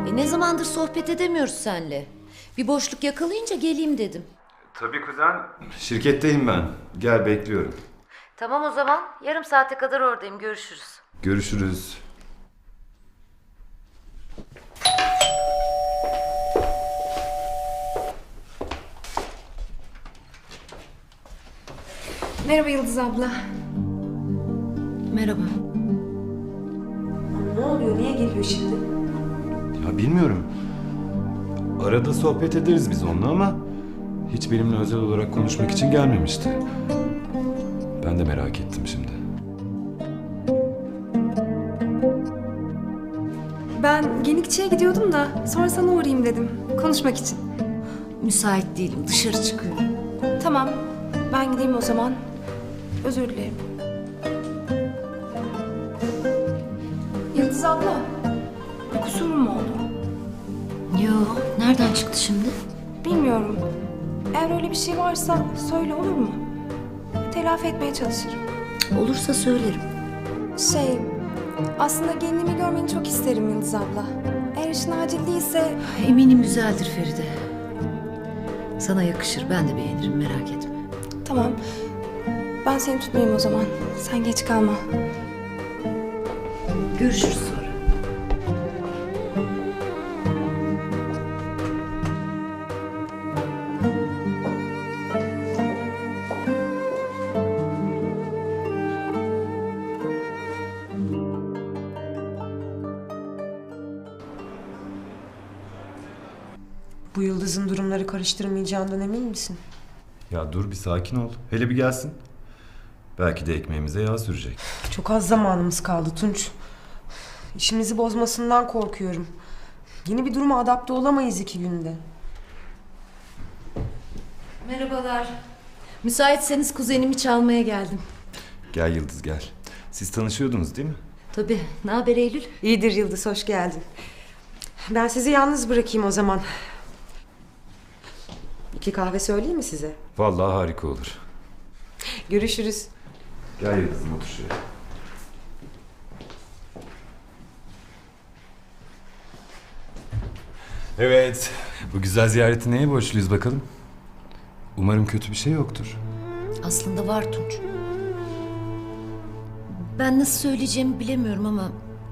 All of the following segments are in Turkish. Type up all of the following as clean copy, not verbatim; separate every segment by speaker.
Speaker 1: Ne zamandır sohbet edemiyoruz seninle. Bir boşluk yakalayınca geleyim dedim.
Speaker 2: Tabii kuzen. Şirketteyim ben. Gel bekliyorum.
Speaker 1: Tamam o zaman. Yarım saate kadar oradayım. Görüşürüz.
Speaker 2: Görüşürüz.
Speaker 3: Merhaba Yıldız abla.
Speaker 1: Merhaba.
Speaker 3: Ne oluyor? Niye geliyor şimdi?
Speaker 2: Ya bilmiyorum. Arada sohbet ederiz biz onunla ama hiç benimle özel olarak konuşmak için gelmemişti. Ben de merak ettim şimdi.
Speaker 3: Ben Genikçi'ye gidiyordum da sonra sana uğrayayım dedim. Konuşmak için.
Speaker 1: Müsait değilim. Dışarı çıkıyorum.
Speaker 3: Tamam. Ben gideyim o zaman. Özür dilerim. Yıldız abla. Bir kusurum mu oldu?
Speaker 1: Yo, nereden çıktı şimdi?
Speaker 3: Bilmiyorum. Eğer öyle bir şey varsa söyle, olur mu? Telafi etmeye çalışırım.
Speaker 1: Olursa söylerim.
Speaker 3: Aslında kendimi görmeni çok isterim Yıldız abla. Eğer işin acil değilse...
Speaker 1: Eminim güzeldir Feride. Sana yakışır. Ben de beğenirim. Merak etme.
Speaker 3: Tamam. Ben seni tutmayayım o zaman. Sen geç kalma.
Speaker 1: Görüşürüz sonra.
Speaker 4: Bu Yıldız'ın durumları karıştırmayacağından emin misin?
Speaker 2: Ya dur bir sakin ol. Hele bir gelsin. Belki de ekmeğimize yağ sürecek.
Speaker 4: Çok az zamanımız kaldı Tunç. İşimizi bozmasından korkuyorum. Yeni bir duruma adapte olamayız 2 günde.
Speaker 1: Merhabalar. Müsaitseniz kuzenimi çalmaya geldim.
Speaker 2: Gel Yıldız gel. Siz tanışıyordunuz değil mi?
Speaker 1: Tabii. Ne haber Eylül?
Speaker 4: İyidir Yıldız, hoş geldin. Ben sizi yalnız bırakayım o zaman. 2 kahve söyleyeyim mi size?
Speaker 2: Vallahi harika olur.
Speaker 4: Görüşürüz.
Speaker 2: Gel Yıldız'ım otur şuraya. Evet. Bu güzel ziyareti neye borçluyuz bakalım? Umarım kötü bir şey yoktur.
Speaker 1: Aslında var Tunç. Ben nasıl söyleyeceğimi bilemiyorum ama...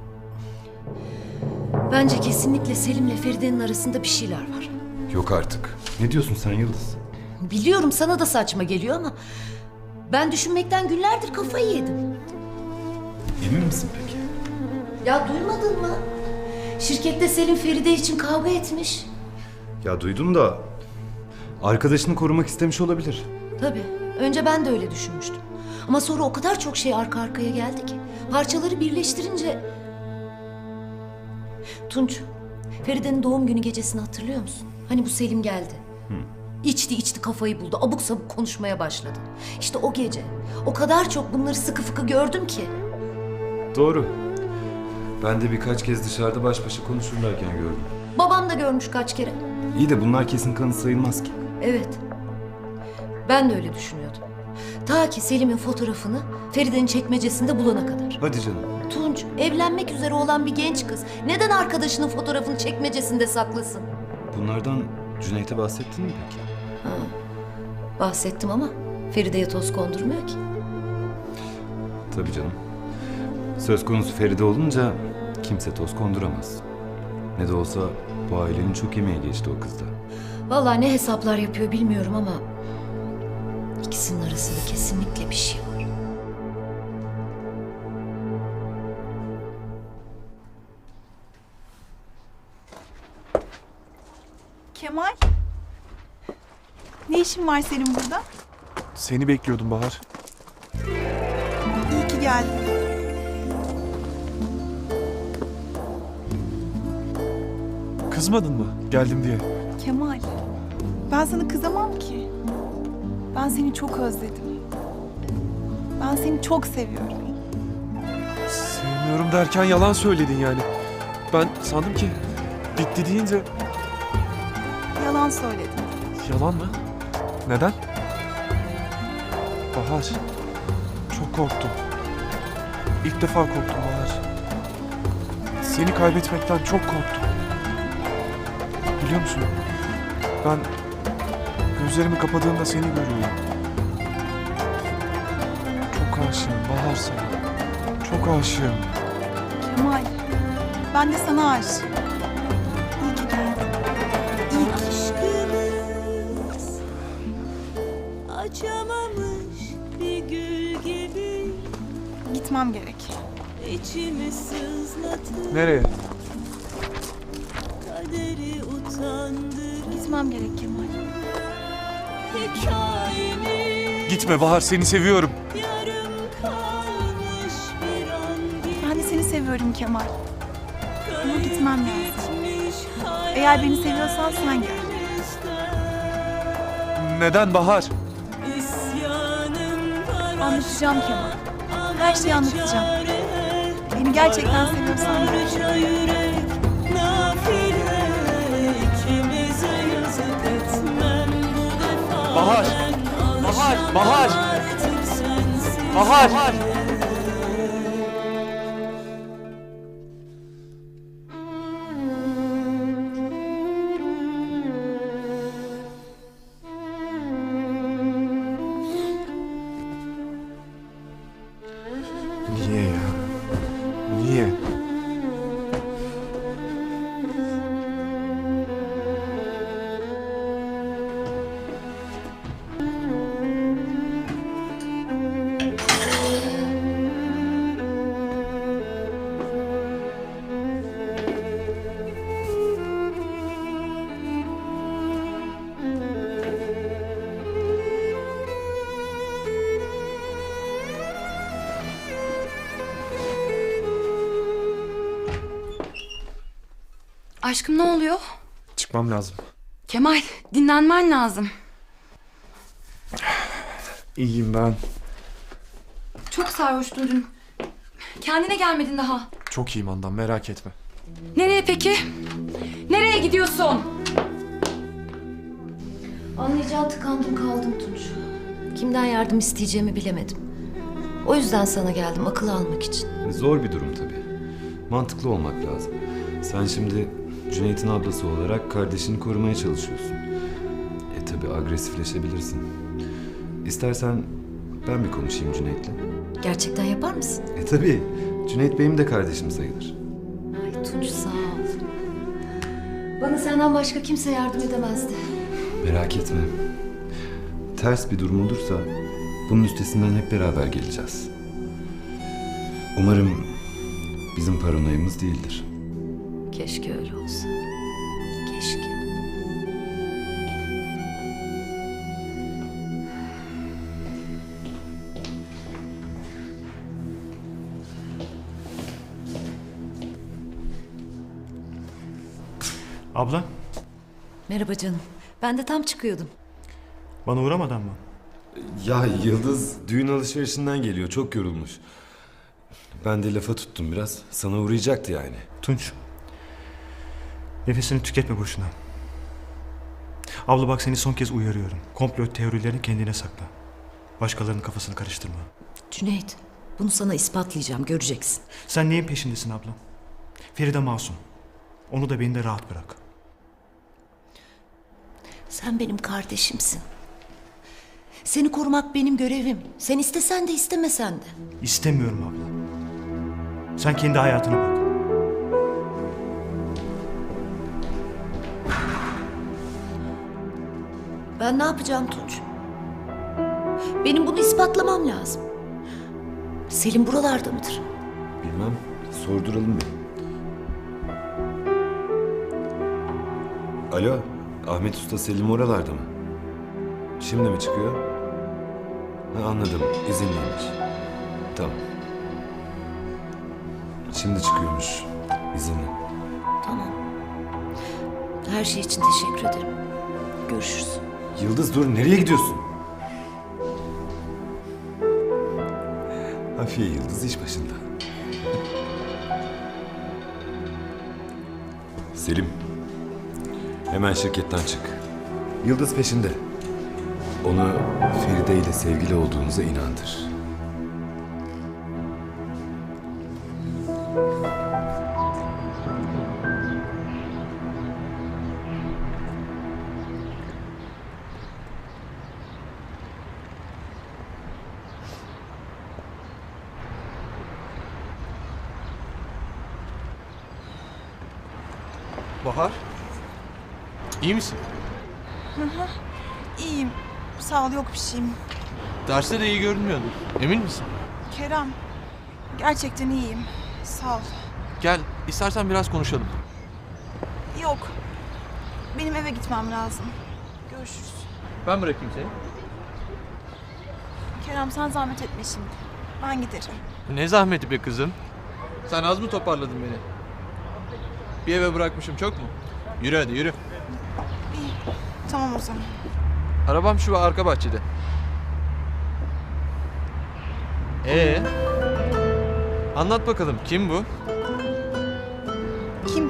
Speaker 1: Bence kesinlikle Selim'le Feride'nin arasında bir şeyler var.
Speaker 2: Yok artık. Ne diyorsun sen Yıldız?
Speaker 1: Biliyorum sana da saçma geliyor ama... Ben düşünmekten günlerdir kafayı yedim.
Speaker 2: Emin misin peki?
Speaker 1: Ya duymadın mı? Şirkette Selim Feride için kavga etmiş.
Speaker 2: Ya duydum da arkadaşını korumak istemiş olabilir.
Speaker 1: Tabii. Önce ben de öyle düşünmüştüm. Ama sonra o kadar çok şey arka arkaya geldi ki. Parçaları birleştirince... Tunç, Feride'nin doğum günü gecesini hatırlıyor musun? Hani bu Selim geldi. İçti kafayı buldu. Abuk sabuk konuşmaya başladı. İşte o gece o kadar çok bunları sıkı fıkı gördüm ki.
Speaker 2: Doğru. Ben de birkaç kez dışarıda baş başa konuşurlarken gördüm.
Speaker 1: Babam da görmüş kaç kere.
Speaker 2: İyi de bunlar kesin kanıt sayılmaz ki.
Speaker 1: Evet. Ben de öyle düşünüyordum. Ta ki Selim'in fotoğrafını Feride'nin çekmecesinde bulana kadar.
Speaker 2: Hadi canım.
Speaker 1: Tunç, evlenmek üzere olan bir genç kız neden arkadaşının fotoğrafını çekmecesinde saklasın?
Speaker 2: Bunlardan Cüneyt'e bahsettin mi peki?
Speaker 1: Bahsettim ama Feride'ye toz kondurmuyor ki.
Speaker 2: Tabii canım. Söz konusu Feride olunca kimse toz konduramaz. Ne de olsa bu ailenin çok emeği geçti o kızda.
Speaker 1: Vallahi ne hesaplar yapıyor bilmiyorum ama... ikisinin arasında kesinlikle bir şey var.
Speaker 5: Kemal. Ne işin var senin burada?
Speaker 6: Seni bekliyordum Bahar.
Speaker 5: İyi ki geldin.
Speaker 6: Kızmadın mı geldim diye?
Speaker 5: Kemal. Ben sana kızamam ki. Ben seni çok özledim. Ben seni çok seviyorum.
Speaker 6: Sevmiyorum derken yalan söyledin yani. Ben sandım ki bitti deyince
Speaker 5: Yalan söyledim.
Speaker 6: yalan mı? Neden? Bahar, çok korktum. İlk defa korktum Bahar. Seni kaybetmekten çok korktum. Biliyor musun? Ben gözlerimi kapadığımda seni görüyorum. Çok aşığım Bahar sana. Çok aşığım.
Speaker 5: Kemal, ben de sana aşığım. İyi ki geldin. İyi ki.
Speaker 7: Aşkımız açamamış bir gül gibi
Speaker 5: Gitmem gerek.
Speaker 7: içimi sızlatır
Speaker 6: Nereye?
Speaker 7: kaderi utandırır
Speaker 5: Gitmem gerek Kemal.
Speaker 7: hikayemiz
Speaker 6: Gitme Bahar, seni seviyorum.
Speaker 7: yarım kalmış bir an gibi
Speaker 5: Ben de seni seviyorum Kemal. Ama gitmem lazım.
Speaker 7: gitmiş
Speaker 5: Eğer beni seviyorsan sen gel.
Speaker 7: hayalimizden.
Speaker 6: Neden Bahar?
Speaker 7: İsyanım var
Speaker 5: Anlatacağım Kemal. Her şeyi anlatacağım.
Speaker 7: çare.
Speaker 5: Beni gerçekten seviyorsan gel.
Speaker 7: Parça yürek nafile ikimize yazık etmem bu defa.
Speaker 6: Bahar!
Speaker 7: Ben
Speaker 6: Bahar!
Speaker 7: alışamam
Speaker 6: Bahar!
Speaker 7: artık sensiz.
Speaker 6: Bahar! Niye ya? Niye?
Speaker 8: Aşkım ne oluyor?
Speaker 6: Çıkmam lazım.
Speaker 8: Kemal, dinlenmen lazım.
Speaker 6: İyiyim ben.
Speaker 8: Çok sarhoştun dün. Kendine gelmedin daha.
Speaker 6: Çok iyiyim Handan, merak etme.
Speaker 8: Nereye peki? Nereye gidiyorsun?
Speaker 1: Anlayacağın tıkandım kaldım Tunç. Kimden yardım isteyeceğimi bilemedim. O yüzden sana geldim akıl almak için.
Speaker 2: Zor bir durum tabii. Mantıklı olmak lazım. Sen şimdi Cüneyt'in ablası olarak kardeşini korumaya çalışıyorsun. Tabii agresifleşebilirsin. İstersen ben bir konuşayım Cüneyt'le.
Speaker 1: Gerçekten yapar mısın?
Speaker 2: Tabii. Cüneyt benim de kardeşim sayılır.
Speaker 1: Ay Tunç sağ ol. Bana senden başka kimse yardım edemezdi.
Speaker 2: Merak etme. Ters bir durum olursa bunun üstesinden hep beraber geleceğiz. Umarım bizim paranoyamız değildir.
Speaker 1: Keşke öyle olsa. Keşke.
Speaker 9: Abla,
Speaker 1: Merhaba canım. Ben de tam çıkıyordum.
Speaker 9: bana uğramadan mı?
Speaker 2: Ya Yıldız düğün alışverişinden geliyor. Çok yorulmuş. Ben de lafa tuttum biraz. Sana uğrayacaktı yani.
Speaker 9: Tunç, nefesini tüketme boşuna. Abla bak seni son kez uyarıyorum. Komplo teorilerini kendine sakla. Başkalarının kafasını karıştırma.
Speaker 1: Cüneyt, bunu sana ispatlayacağım. Göreceksin.
Speaker 9: Sen neyin peşindesin abla? Feride masum. Onu da beni de rahat bırak.
Speaker 1: Sen benim kardeşimsin. Seni korumak benim görevim. Sen istesen de istemesen de.
Speaker 9: İstemiyorum abla. Sen kendi hayatına bak.
Speaker 1: Ben ne yapacağım Tunç? Benim bunu ispatlamam lazım. Selim buralarda mıdır?
Speaker 2: Bilmem. Sorduralım bir. Alo. Ahmet Usta Selim oralarda mı? Şimdi mi çıkıyor? Ha, anladım. İzinliymiş. Tamam. Şimdi çıkıyormuş. İzinli.
Speaker 1: Tamam. Her şey için teşekkür ederim. Görüşürüz.
Speaker 2: Yıldız dur. Nereye gidiyorsun? Hafiye Yıldız iş başında. Selim. Hemen şirketten çık. Yıldız peşinde. Onu Feride ile sevgili olduğunuza inandır.
Speaker 10: Bahar. İyi misin?
Speaker 5: İyiyim. Sağ ol, yok bir şeyim.
Speaker 10: Derste de iyi görünmüyordun. Emin misin?
Speaker 5: Kerem, gerçekten iyiyim. Sağ ol.
Speaker 10: Gel, istersen biraz konuşalım.
Speaker 5: Yok. Benim eve gitmem lazım. Görüşürüz.
Speaker 10: Ben bırakayım seni.
Speaker 5: Kerem sen zahmet etme şimdi. Ben giderim.
Speaker 10: Ne zahmeti be kızım. Sen az mı toparladın beni? Bir eve bırakmışım çok mu? Yürü hadi yürü.
Speaker 5: İyi. Tamam o zaman.
Speaker 10: Arabam şu arka bahçede. Anlat bakalım kim bu?
Speaker 5: Kim?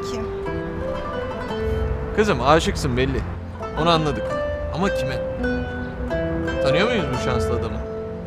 Speaker 10: Kızım aşıksın belli. Onu anladık. Ama kime? Tanıyor muyuz bu şanslı adamı?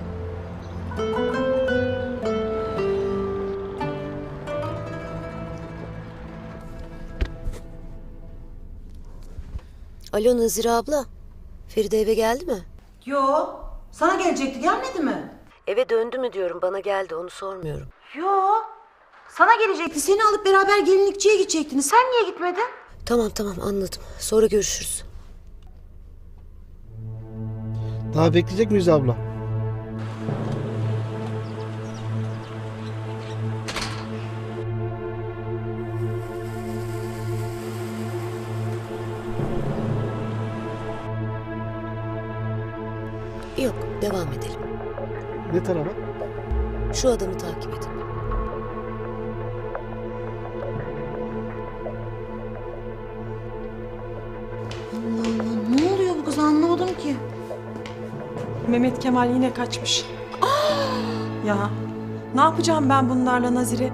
Speaker 1: Alo Nazire abla. Feride eve geldi mi?
Speaker 11: Yo, sana gelecekti, gelmedi mi?
Speaker 1: Eve döndü mü diyorum, bana geldi, onu sormuyorum.
Speaker 11: Yo, sana gelecekti. Seni alıp beraber gelinlikçiye gidecektiniz. Sen niye gitmedin?
Speaker 1: Tamam anladım. Sonra görüşürüz.
Speaker 12: Daha bekleyecek miyiz abla?
Speaker 1: Yok, devam edelim.
Speaker 12: Ne tarafa?
Speaker 1: Şu adamı takip edin.
Speaker 11: Allah Allah, ne oluyor bu kız, anlamadım ki.
Speaker 4: Mehmet Kemal yine kaçmış. Ya ne yapacağım ben bunlarla Nazire?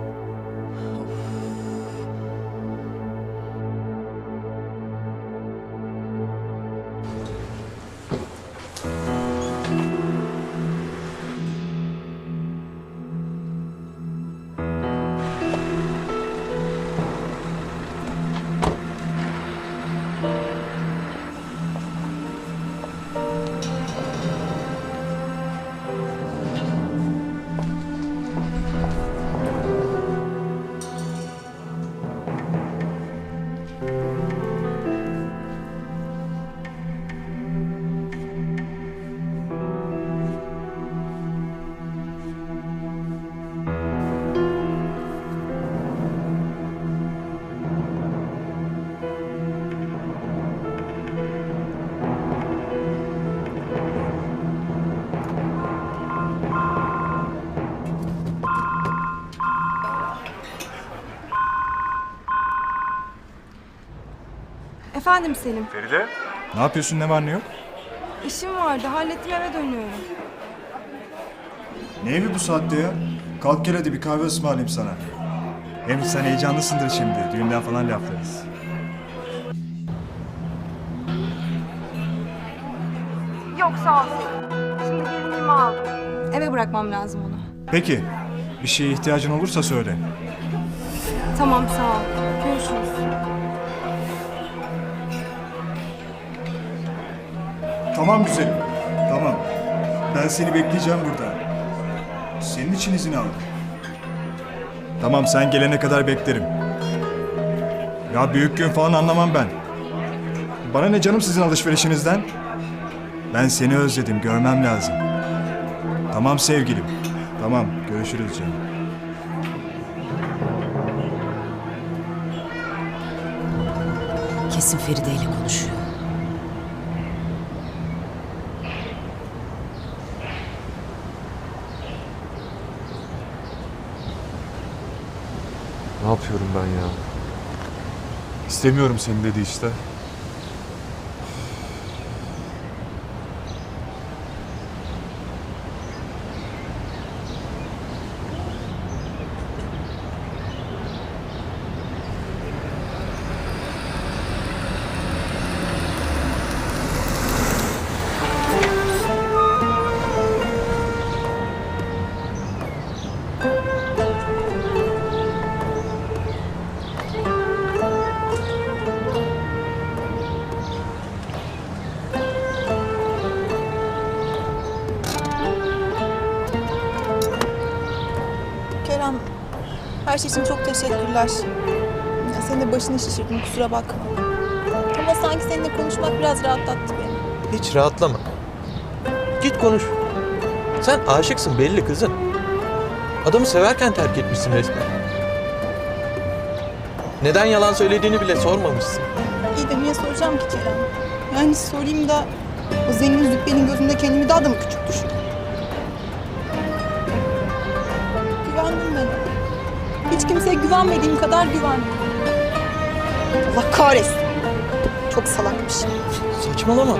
Speaker 3: Efendim Selim.
Speaker 9: Feride? Ne yapıyorsun, ne var ne yok?
Speaker 3: İşim vardı. Hallettim, eve dönüyorum.
Speaker 9: Ne evi bu saatte ya? Kalk gel hadi bir kahve ısmarlayayım sana. Hem sen heyecanlısındır şimdi. Düğünden falan laflarız.
Speaker 3: Yok sağ ol. Şimdi gelinliğimi aldım. Eve bırakmam lazım onu.
Speaker 9: Peki. Bir şeye ihtiyacın olursa söyle.
Speaker 3: Tamam sağ ol. Görüşürüz.
Speaker 9: Tamam güzelim. Tamam. Ben seni bekleyeceğim burada. Senin için izin aldım. Tamam sen gelene kadar beklerim. Ya büyük gün falan anlamam ben. Bana ne canım sizin alışverişinizden? Ben seni özledim, görmem lazım. Tamam sevgilim. Tamam, görüşürüz canım.
Speaker 1: Kesin Feride ile konuşuyor.
Speaker 6: Ne yapıyorum ben ya? İstemiyorum seni dedi işte.
Speaker 5: Kerem, her şey için çok teşekkürler. Ya senin de başını şişirdim, kusura bakma. Ama sanki seninle konuşmak biraz rahatlattı beni.
Speaker 10: Hiç rahatlama. Git konuş. Sen aşıksın belli kızım. Adamı severken terk etmişsin resmen. Neden yalan söylediğini bile sormamışsın.
Speaker 5: İyi de niye soracağım ki Kerem? Yani sorayım da o zengin züppenin gözünde kendimi daha da mı küçük düşüreyim? Güvendim ben ona. Hiç kimseye güvenmediğim kadar güvendim. Allah kahretsin. Çok salakmış.
Speaker 10: Saçmalama.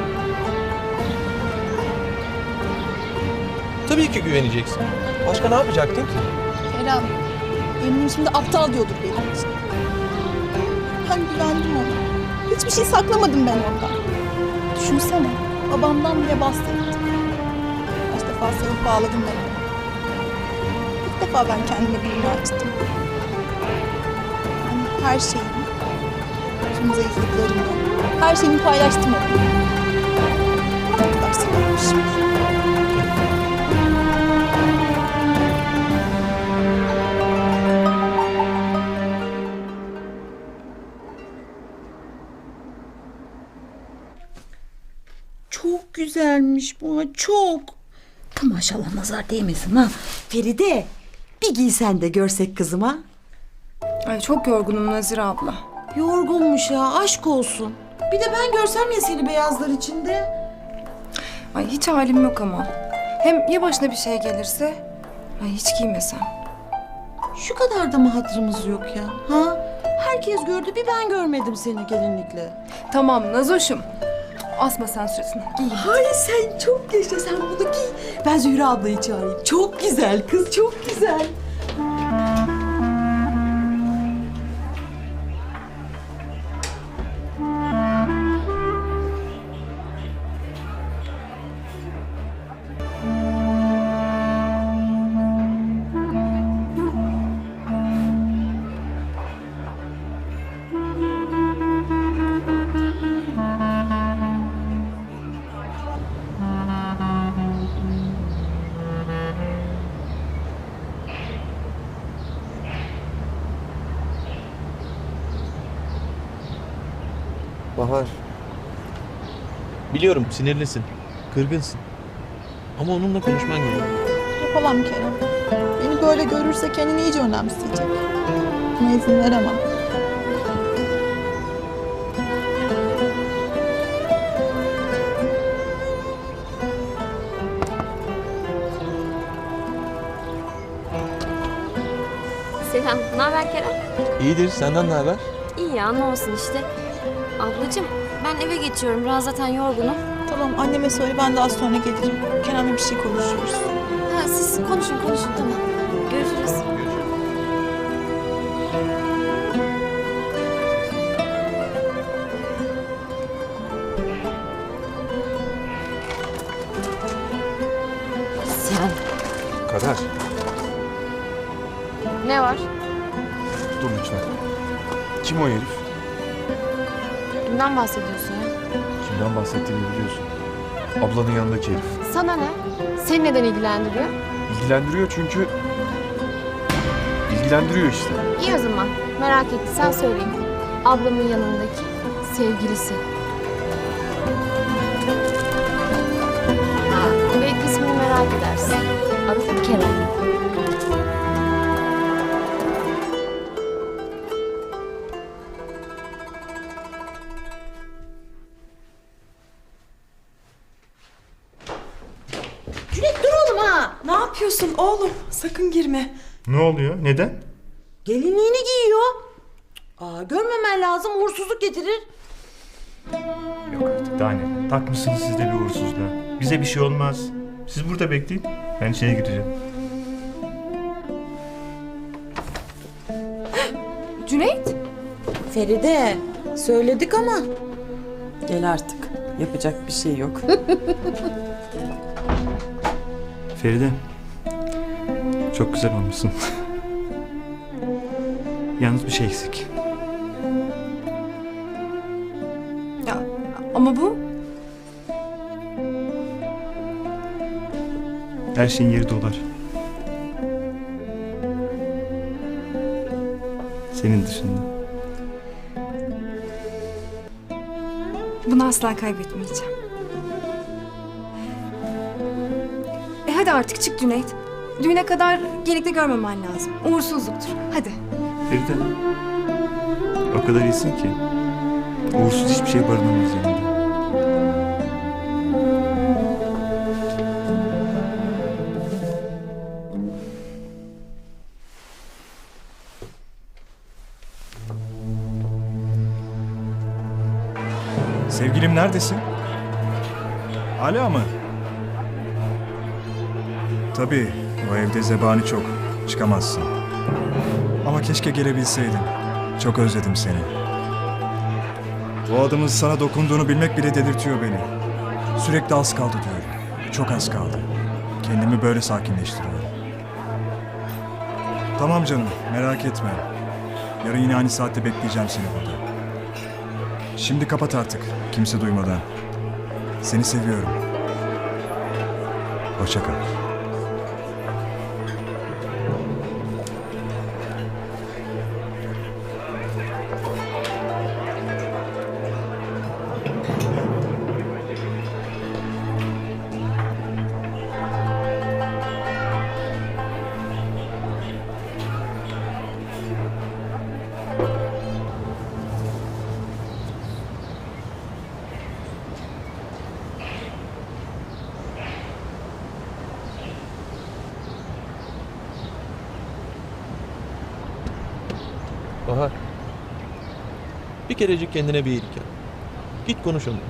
Speaker 10: Tabii ki güveneceksin. Başka ne yapacaktın ki?
Speaker 5: Kerem, eminim şimdi aptal diyordur benim için. Ben güvendim ona. Hiçbir şey saklamadım ben ondan. Düşünsene, babamdan bile bahsettim. Kaç defa sarıp bağladım ben onu. İlk defa ben kendime birini açtım. Yani her şeyimi, tüm zayıflıklarımı, her şeyimi paylaştım onunla. Ne kadar seviyormuşum.
Speaker 11: Çok güzelmiş bu, çok. Maşallah nazar değmesin ha. Feride, bir giysen de görsek kızıma.
Speaker 4: Ay çok yorgunum Nazire abla.
Speaker 11: Yorgunmuş ha, aşk olsun. Bir de ben görsem ya seni beyazlar içinde.
Speaker 4: Ay hiç halim yok ama. Hem ya başına bir şey gelirse? Ay hiç giymesem.
Speaker 11: Şu kadar da mı hatırımız yok ya? Ha? Herkes gördü, bir ben görmedim seni gelinlikle.
Speaker 4: Tamam Nazoş'um. Asma sen suratını. Giy.
Speaker 11: Hayır sen çok yaşa, sen bunu giy. Ben Zühre ablayı çağırayım. Çok güzel kız, çok güzel.
Speaker 10: Bahar. Biliyorum sinirlisin, kırgınsın. Ama onunla konuşman gerekiyor.
Speaker 5: Yapamam Kerem. Beni böyle görürse kendini iyice önemseyecek. Buna izin veremem.
Speaker 13: Selam, ne haber Kerem?
Speaker 10: İyidir, senden ne haber?
Speaker 13: İyi ya, ne olsun işte. Ablacığım, ben eve geçiyorum. Biraz zaten yorgunum.
Speaker 5: Tamam, anneme söyle, ben daha sonra gelirim. Kerem'le bir şey konuşuyoruz.
Speaker 13: Ha, siz konuşun, tamam. Görüşürüz. Sen.
Speaker 6: Kader.
Speaker 13: Ne var?
Speaker 6: Dur lütfen. Kim o herif?
Speaker 13: Kimden bahsediyorsun ya?
Speaker 6: Kimden bahsettiğimi biliyorsun. Ablanın yanındaki herif.
Speaker 13: Sana ne? Seni neden ilgilendiriyor?
Speaker 6: İlgilendiriyor çünkü... İlgilendiriyor işte.
Speaker 13: İyi o zaman. Merak ettiysen söyleyeyim. Ablamın yanındaki sevgilisi. Ha, belki ismini merak edersin. Adı Kerem.
Speaker 11: Cüneyt dur oğlum ha.
Speaker 4: Ne yapıyorsun oğlum? Sakın girme.
Speaker 9: Ne oluyor? Neden?
Speaker 11: Gelinliğini giyiyor. Görmemen lazım, uğursuzluk getirir.
Speaker 9: Yok artık, daha ne? Takmışsınız siz de bir uğursuzluğa. Bize bir şey olmaz. Siz burada bekleyin. Ben içeri gireceğim.
Speaker 4: Cüneyt?
Speaker 11: Feride, söyledik ama. Gel artık. Yapacak bir şey yok.
Speaker 9: Feride. Çok güzel olmuşsun. Yalnız bir şey eksik.
Speaker 4: Ya ama bu...
Speaker 9: Her şeyin yeri dolar. Senin dışında.
Speaker 3: Bunu asla kaybetmeyeceğim. Hadi artık çık Cüneyt. Düğüne kadar Gelik'te görmemen lazım. Uğursuzluktur. Hadi.
Speaker 9: Feride. O kadar iyisin ki. Uğursuz hiçbir şey barınamaz yanında. Sevgilim neredesin? Hala mı? Tabii, o evde zebani çok. Çıkamazsın. Ama keşke gelebilseydin. Çok özledim seni. Bu adamın sana dokunduğunu bilmek bile delirtiyor beni. Sürekli az kaldı diyorum. Çok az kaldı. Kendimi böyle sakinleştiriyorum. Tamam canım, merak etme. Yarın yine aynı saatte bekleyeceğim seni burada. Şimdi kapat artık, kimse duymadan. Seni seviyorum. Hoşça kal.
Speaker 10: Bahar. Bir kerecik kendine bir iyilik yap. Git konuş onunla.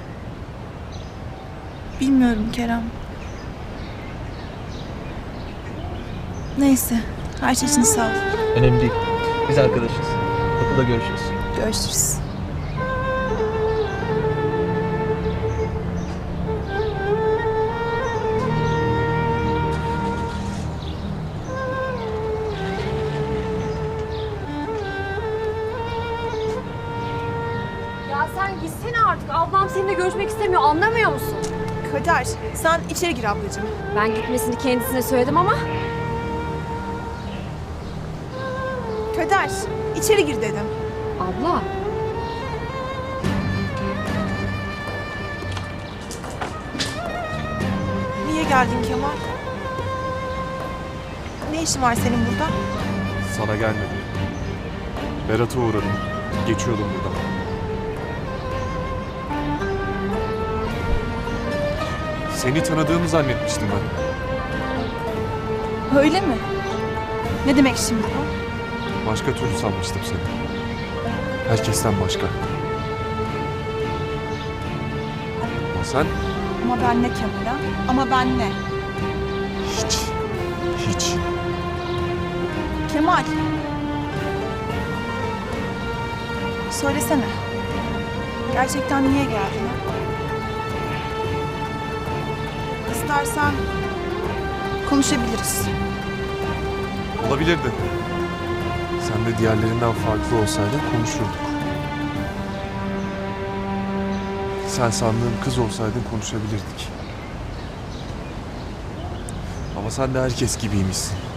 Speaker 5: Bilmiyorum Kerem. Neyse. Her şey için sağ ol.
Speaker 10: Önemli değil. Biz arkadaşız. Okulda görüşürüz.
Speaker 5: Görüşürüz.
Speaker 13: Ya sen gitsene artık. Ablam seninle görüşmek istemiyor. Anlamıyor musun?
Speaker 3: Kader, sen içeri gir ablacığım.
Speaker 13: Ben gitmesini kendisine söyledim ama
Speaker 3: Kader, içeri gir dedim.
Speaker 13: abla.
Speaker 3: Niye geldin Kemal? Ne işin var senin burada?
Speaker 6: Sana gelmedim. Berat'a uğradım. Geçiyordum buradan. Seni tanıdığımı zannetmiştim ben.
Speaker 5: Öyle mi? Ne demek şimdi bu?
Speaker 6: Başka türlü sanmıştım seni. Herkesten başka. Ama sen
Speaker 5: Ama ben ne Kemal ha? Ama ben ne?
Speaker 6: hiç. Hiç.
Speaker 5: Kemal. Söylesene. Gerçekten niye geldin ha? İstersen konuşabiliriz.
Speaker 6: Olabilirdi. Sen de diğerlerinden farklı olsaydın konuşurduk. Sen sandığım kız olsaydın konuşabilirdik. Ama sen de herkes gibiymişsin.